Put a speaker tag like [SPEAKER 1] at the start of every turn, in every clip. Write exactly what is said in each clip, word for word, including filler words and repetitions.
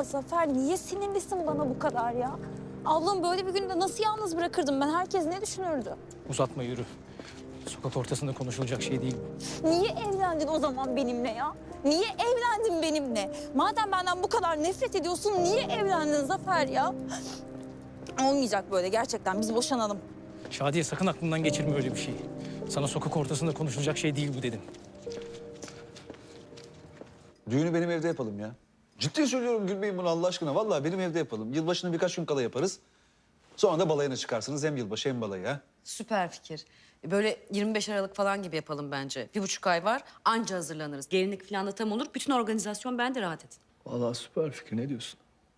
[SPEAKER 1] Zafer, niye sinirlisin bana bu kadar ya? Ablam böyle bir günde nasıl yalnız bırakırdım ben? Herkes ne düşünürdü?
[SPEAKER 2] Uzatma, yürü. Sokak ortasında konuşulacak şey değil bu.
[SPEAKER 1] Niye evlendin o zaman benimle ya? Niye evlendin benimle? Madem benden bu kadar nefret ediyorsun, niye evlendin Zafer ya? Olmayacak böyle gerçekten, biz boşanalım.
[SPEAKER 2] Şadiye, sakın aklından geçirme öyle bir şeyi. Sana sokak ortasında konuşulacak şey değil bu dedim.
[SPEAKER 3] Düğünü benim evde yapalım ya. Ciddi söylüyorum, gülmeyin bunu Allah aşkına. Vallahi benim evde yapalım. Yılbaşını birkaç gün kala yaparız. Sonra da balayına çıkarsınız. Hem yılbaşı hem balayı ha.
[SPEAKER 4] Süper fikir. Böyle yirmi beş Aralık falan gibi yapalım bence. Bir buçuk ay var, anca hazırlanırız. Gelinlik falan da tam olur. Bütün organizasyon bende, rahat edin.
[SPEAKER 5] Vallahi süper fikir. Ne diyorsun?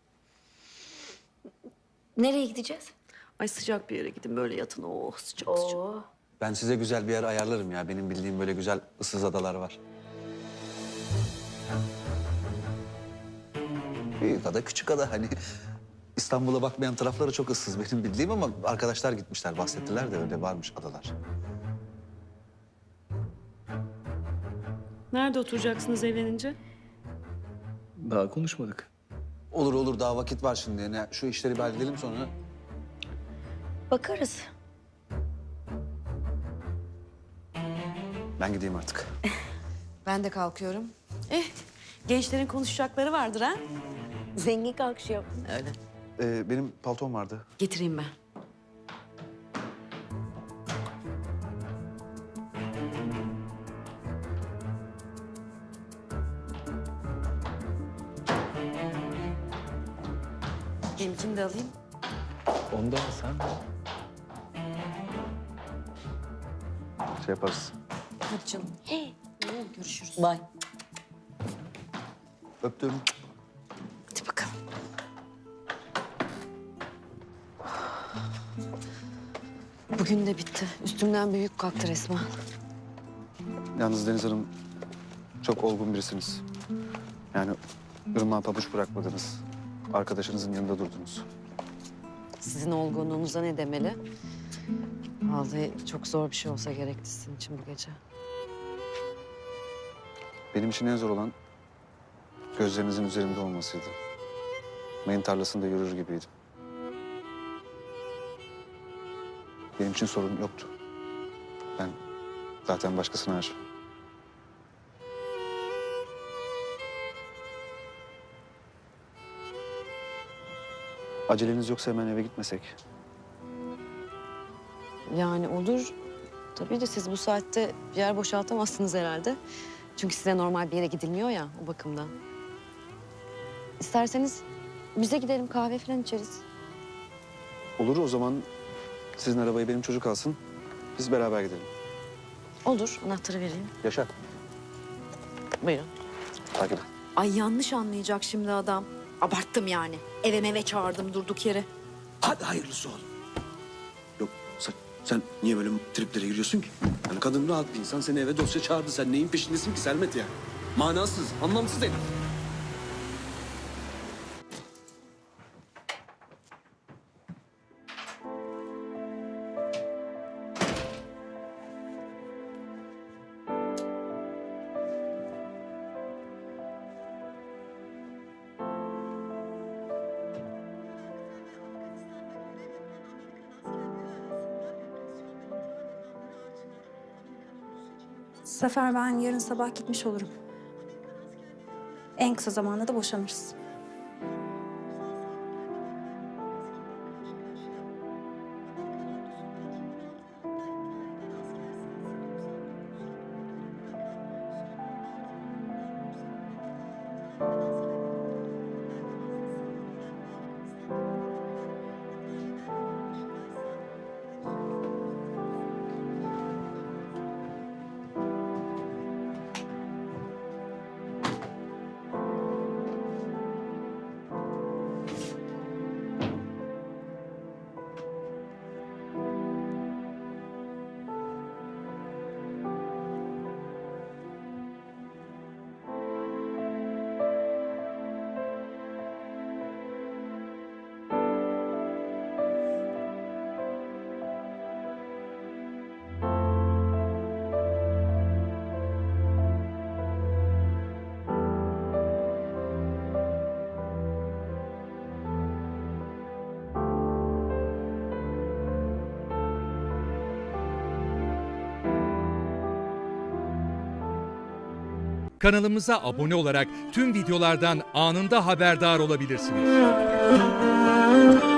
[SPEAKER 4] Nereye gideceğiz? Ay sıcak bir yere gidin, böyle yatın. Oh sıcak sıcak.
[SPEAKER 3] Ben size güzel bir yer ayarlarım ya. Benim bildiğim böyle güzel ıssız adalar var. Büyük ada, küçük ada hani. İstanbul'a bakmayan tarafları çok ıssız benim bildiğim ama arkadaşlar gitmişler, bahsettiler de öyle varmış adalar.
[SPEAKER 4] Nerede oturacaksınız evlenince?
[SPEAKER 5] Daha konuşmadık.
[SPEAKER 3] Olur olur, daha vakit var şimdi. Yani şu işleri bir halledelim sonra.
[SPEAKER 4] Bakarız.
[SPEAKER 3] Ben gideyim artık.
[SPEAKER 4] Ben de kalkıyorum. Eh, gençlerin konuşacakları vardır ha? Zengin kalkışıyor. Öyle.
[SPEAKER 3] Ee, benim paltom vardı.
[SPEAKER 4] Getireyim ben. Benimkini de alayım.
[SPEAKER 5] Ondan sen...
[SPEAKER 3] Şey yaparız.
[SPEAKER 4] Hadi canım. Hey. Görüşürüz. Bye.
[SPEAKER 3] Öptüm.
[SPEAKER 4] Hadi bakalım. Bugün de bitti. Üstümden bir yük kalktı resmen.
[SPEAKER 3] Yalnız Deniz Hanım çok olgun birisiniz. Yani ırmağa pabuç bırakmadınız. Arkadaşınızın yanında durdunuz.
[SPEAKER 4] Sizin olgunluğunuza ne demeli? Vallahi çok zor bir şey olsa gerekti sizin için bu gece.
[SPEAKER 3] Benim için en zor olan gözlerinizin üzerimde olmasıydı. Mayın tarlasında yürür gibiydim. Benim için sorun yoktu. Ben zaten başkasına aşığım. Aceleniz yoksa hemen eve gitmesek.
[SPEAKER 4] Yani olur. Tabii de siz bu saatte bir yer boşaltamazsınız herhalde. Çünkü size normal bir yere gidilmiyor ya o bakımdan. İsterseniz bize gidelim, kahve falan içeriz.
[SPEAKER 3] Olur, o zaman sizin arabayı benim çocuk alsın. Biz beraber gidelim.
[SPEAKER 4] Olur, anahtarı vereyim.
[SPEAKER 3] Yaşa.
[SPEAKER 4] Buyurun.
[SPEAKER 3] Takip et.
[SPEAKER 4] Ay yanlış anlayacak şimdi adam. Abarttım yani. Eve meve çağırdım durduk yere.
[SPEAKER 6] Hadi hayırlısı oğlum. Yok sen, sen niye böyle triplere giriyorsun ki? Yani kadın rahat bir insan, seni eve dosya çağırdı. Sen neyin peşindesin ki Sermet ya? Manasız, anlamsız herif.
[SPEAKER 1] Zafer, ben yarın sabah gitmiş olurum. En kısa zamanda da boşanırız.
[SPEAKER 7] Kanalımıza abone olarak tüm videolardan anında haberdar olabilirsiniz.